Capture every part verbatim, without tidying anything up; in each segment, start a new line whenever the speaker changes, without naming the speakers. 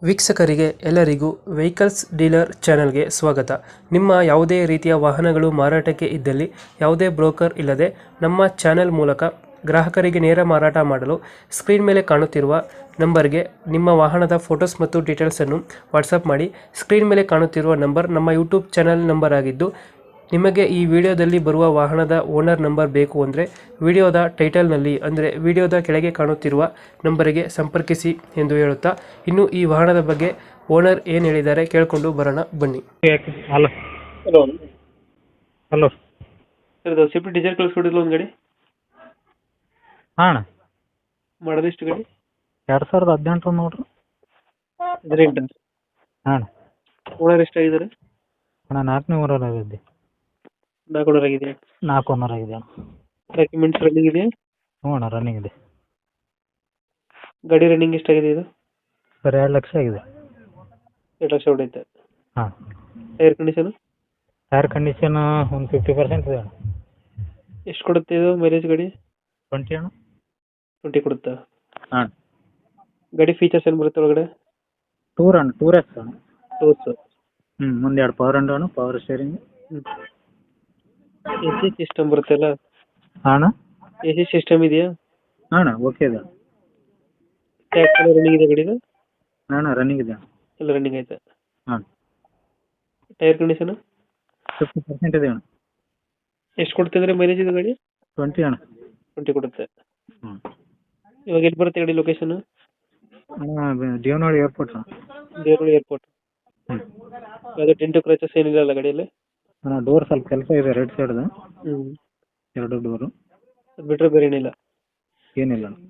ವೀಕ್ಷಕರಿಗೆ ಎಲ್ಲರಿಗೂ vehicles dealer ಚಾನೆಲ್ಗೆ ಸ್ವಾಗತ. ನಿಮ್ಮ ಯಾವುದೇ ರೀತಿಯ ವಾಹನಗಳು ಮಾರಾಟಕ್ಕೆ ಇದ್ದಲ್ಲಿ ಯಾವುದೇ ಬ್ರೋಕರ್ ಇಲ್ಲದೆ ನಮ್ಮ ಚಾನೆಲ್ ಮೂಲಕ ಗ್ರಾಹಕರಿಗೆ ನೇರ ಮಾರಾಟ ಮಾಡಲು ಸ್ಕ್ರೀನ್ ಮೇಲೆ ಕಾಣುತ್ತಿರುವ ನಂಬರ್ಗೆ ನಿಮ್ಮ ವಾಹನದ ಫೋಟೋಸ್ ಮತ್ತು ಡೀಟೇಲ್ಸನ್ನು ವಾಟ್ಸಪ್ ಮಾಡಿ. ಸ್ಕ್ರೀನ್ ಮೇಲೆ ಕಾಣುತ್ತಿರುವ ನಂಬರ್ ನಮ್ಮ ಯೂಟ್ಯೂಬ್ ಚಾನೆಲ್ ನಂಬರ್ ಆಗಿದ್ದು, ನಿಮಗೆ ಈ ವಿಡಿಯೋದಲ್ಲಿ ಬರುವ ವಾಹನದ ಓನರ್ ನಂಬರ್ ಬೇಕು ಅಂದರೆ ವಿಡಿಯೋದ ಟೈಟಲ್ನಲ್ಲಿ ಅಂದರೆ ವಿಡಿಯೋದ ಕೆಳಗೆ ಕಾಣುತ್ತಿರುವ ನಂಬರಿಗೆ ಸಂಪರ್ಕಿಸಿ ಎಂದು ಹೇಳುತ್ತಾ, ಇನ್ನು ಈ ವಾಹನದ ಬಗ್ಗೆ ಓನರ್ ಏನು ಹೇಳಿದ್ದಾರೆ ಕೇಳಿಕೊಂಡು ಬರೋಣ ಬನ್ನಿ.
ಹಲೋ
ಹಲೋ
ಹಲೋ
ಸರ್, ಇದು ಸ್ವಿಫ್ಟ್ ಡಿಸೈರ್ ಕಳಿಸ್ಕೊಡಿಲ್ಲ ಒಂದು ಗಾಡಿ
ಹಾಂ
ಮಾಡೋದು ಎಷ್ಟು ಗಾಡಿ?
ಎರಡು ಸಾವಿರದ ಹದಿನೆಂಟು ನೋಡ್ರಿ.
ಹದಿನೆಂಟು.
ಹಾಂ
ಓನರ್ ಎಷ್ಟಾಗಿದ್ದಾರೆ?
ಅಣ್ಣ ನಾಲ್ಕನೇ ಊರಲ್ಲಿದ್ದೆ.
ನಾಲ್ಕು ಓನರ್ ಆಗಿದೆ.
ನಾಲ್ಕು ಓನರ್ ಆಗಿದೆ ಅಣ್ಣ.
ಡಾಕ್ಯುಮೆಂಟ್ಸ್ ರನ್ನಿಂಗ್ ಇದೆ?
ಹ್ಞೂ ಅಣ್ಣ ರನ್ನಿಂಗ್ ಇದೆ.
ಗಾಡಿ ರನ್ನಿಂಗ್ ಎಷ್ಟಾಗಿದೆ ಇದು?
ಸರ್ ಎರಡು ಲಕ್ಷ ಆಗಿದೆ.
ಎರಡು ಲಕ್ಷ ಹೊಡೆಯುತ್ತೆ.
ಹಾಂ
ಟೈರ್ ಕಂಡೀಷನ್?
ಟೈರ್ ಕಂಡೀಷನ್ ಒಂದು ಫಿಫ್ಟಿ ಪರ್ಸೆಂಟ್ ಇದೆ ಅಣ್ಣ.
ಎಷ್ಟು ಕೊಡುತ್ತೆ ಇದು ಮೈಲೇಜ್ ಗಾಡಿ?
ಟ್ವೆಂಟಿ ಅಣ್ಣ.
ಟ್ವೆಂಟಿ ಕೊಡುತ್ತಾ?
ಹಾಂ
ಗಾಡಿ ಫೀಚರ್ಸ್ ಏನು ಬರುತ್ತೆ ಒಳಗಡೆ?
ಟೂರ್ ಅಣ್ಣ, ಟೂರ್ ಎಕ್ಸ್ ಅಣ್ಣ.
ಟೂರ್ಸ್?
ಹ್ಞೂ ಮುಂದೆ ಎರಡು ಪವರ್ ಅಂಡ್ ಅಣ್ಣ, power steering.
A C system ಬರುತ್ತಲ್ಲ?
ಹಾಂ ಅಣ್ಣ.
ಎ ಸಿ ಸಿಸ್ಟಮ್ ಇದೆಯಾ?
ಹಾಂ ಅಣ್ಣ ಓಕೆ ಇದೆ.
ಟ್ಯಾಕ್ಸ್ ಎಲ್ಲ ರನ್ನಿಂಗ್ ಇದೆ ಗಾಡಿದು?
ಹಾಂ ಅಣ್ಣ ರನ್ನಿಂಗ್ ಇದೆ.
ಎಲ್ಲ ರನ್ನಿಂಗ್ ಐತೆ.
ಹಾಂ
ಟೈರ್ ಕಂಡೀಷನ್?
ಫಿಫ್ಟಿ ಪರ್ಸೆಂಟ್ ಇದೆ ಅಣ್ಣ.
ಎಷ್ಟು ಕೊಡ್ತಿದ್ರೆ ಮೈಲೇಜ್ ಇದು ಗಾಡಿ?
ಟ್ವೆಂಟಿ ಅಣ್ಣ.
ಟ್ವೆಂಟಿ ಕೊಡುತ್ತೆ.
ಹ್ಞೂ
ಇವಾಗ ಎಲ್ಲಿ ಬರುತ್ತೆ ಗಾಡಿ ಲೊಕೇಶನ್?
ಅಣ್ಣ ದೇವನಹಳ್ಳಿ ಏರ್ಪೋರ್ಟ್ ಅಣ್ಣ.
ದೇವನಹಳ್ಳಿ ಏರ್ಪೋರ್ಟ್.
ಹ್ಞೂ
ಅದು ಟೆಂಟು ಕ್ರಚಸ್ ಏನಿಲ್ಲ ಅಲ್ಲ ಗಾಡಿಯಲ್ಲಿ?
ಅಣ್ಣ ಡೋರ್ ಸ್ವಲ್ಪ ಕೆಲಸ ಇದೆ ರೈಟ್ ಸೈಡ್ದು.
ಹ್ಞೂ
ಎರಡು ಡೋರು.
ಅದು ಬಿಟ್ಟರೆ ಬೇರೆ ಏನಿಲ್ಲ?
ಏನಿಲ್ಲ ಅಣ್ಣ.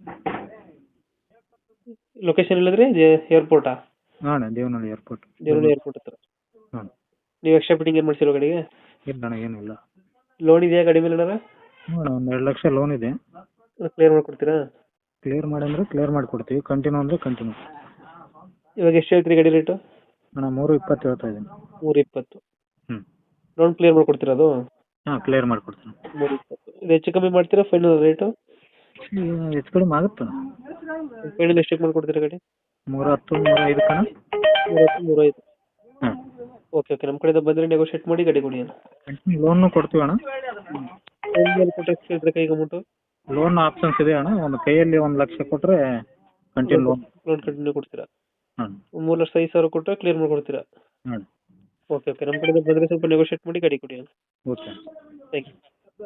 ಲೊಕೇಶನ್ ಇಲ್ಲದ್ರೆ ಏರ್ಪೋರ್ಟಾ?
ಹಾಂ ಅಣ್ಣ ದೇವನಹಳ್ಳಿ ಏರ್ಪೋರ್ಟ್.
ದೇವನಹಳ್ಳಿ ಏರ್ಪೋರ್ಟ್ ಹತ್ರ.
ಹಾಂ
ನೀವು ಎಕ್ಸ್ಟ್ರಾ ಫಿಟ್ಟಿಂಗ್ ಏನು ಮಾಡಿಸಿರೋ ಗಾಡಿಗೆ?
ಇಲ್ಲ ಅಣ್ಣ ಏನಿಲ್ಲ.
ಲೋನ್ ಇದೆಯಾ ಗಾಡಿ ಮೇಲೆ ಏನಾರ?
ಹ್ಞೂ ಅಣ್ಣ ಒಂದು ಎರಡು ಲಕ್ಷ ಲೋನ್ ಇದೆ.
ಕ್ಲಿಯರ್ ಮಾಡಿಕೊಡ್ತೀರಾ?
ಕ್ಲಿಯರ್ ಮಾಡಿ ಅಂದರೆ ಕ್ಲಿಯರ್ ಮಾಡಿಕೊಡ್ತೀವಿ, ಕಂಟಿನ್ಯೂ ಅಂದರೆ ಕಂಟಿನ್ಯೂ.
ಇವಾಗ ಎಷ್ಟು ಹೇಳ್ತೀರಿ ಗಾಡಿ ರೇಟು?
ಅಣ್ಣ ಮೂರು ಇಪ್ಪತ್ತು ಹೇಳ್ತಾ ಇದ್ದೀನಿ.
ಮೂರು ಇಪ್ಪತ್ತು.
ಹ್ಞೂ
ಲೋನ್ ಕ್ಲಿಯರ್ ಮಾಡಿಕೊಡ್ತೀರಾ ಅದು?
ಹಾಂ ಕ್ಲಿಯರ್ ಮಾಡಿಕೊಡ್ತೀನಿ.
ಮೂರು ಇಪ್ಪತ್ತು. ಇದು ಹೆಚ್ಚು ಕಮ್ಮಿ ಮಾಡ್ತೀರಾ ಫೈನಲ್ ರೇಟು?
ಹೆಚ್ಚು ಕಡಿಮೆ ಆಗುತ್ತೆ ಅಣ್ಣ.
ಫೈನಲ್ ಎಷ್ಟಕ್ಕೆ ಮಾಡಿಕೊಡ್ತೀರಾ ಗಾಡಿ?
ಮೂರು ಹತ್ತು ಮೂರು ಐದು ಕಣ.
ಮೂರು ಹತ್ತು ಮೂರು ಐದು.
ಹಾಂ
ಓಕೆ ಓಕೆ, ನಮ್ಮ ಕಡೆಯಿಂದ ಬಂದರೆ ನೆಗೋಷಿಯೇಟ್ ಮಾಡಿ ಗಾಡಿ ಕೊಡಿ ಅಣ್ಣ.
ಕಂಟಿನ್ಯೂ ಲೋನು ಕೊಡ್ತೀವಿ ಅಣ್ಣ.
ಫೈನಲ್ ಕೊಟ್ಟರೆ ಎಷ್ಟು ಹೇಳ್ತೀರಾ ಕೈಗೆ ಅಮೌಂಟು?
ಲೋನ್ ಆಪ್ಷನ್ಸ್ ಇದೆ ಅಣ್ಣ. ಒಂದು ಕೈಯಲ್ಲಿ ಒಂದು ಲಕ್ಷ ಕೊಟ್ಟರೆ ಕಂಟಿನ್ಯೂ ಲೋನ್
ಲೋನ್ ಕಂಟಿನ್ಯೂ ಕೊಡ್ತೀರಾ?
ಹಾಂ
ಮೂರು ಲಕ್ಷ ಐದು ಸಾವಿರ ಕೊಟ್ಟರೆ ಕ್ಲಿಯರ್ ಮಾಡಿಕೊಡ್ತೀರಾ?
ಹಾಂ
ಓಕೆ ಓಕೆ, ನಮ್ಮ ಕಡೆಯಿಂದ ಬಂದರೆ ಸ್ವಲ್ಪ ನೆಗೋಷಿಯೇಟ್ ಮಾಡಿ ಗಾಡಿ ಕೊಡಿ ಅಣ್ಣ.
ಓಕೆ.
Thank you.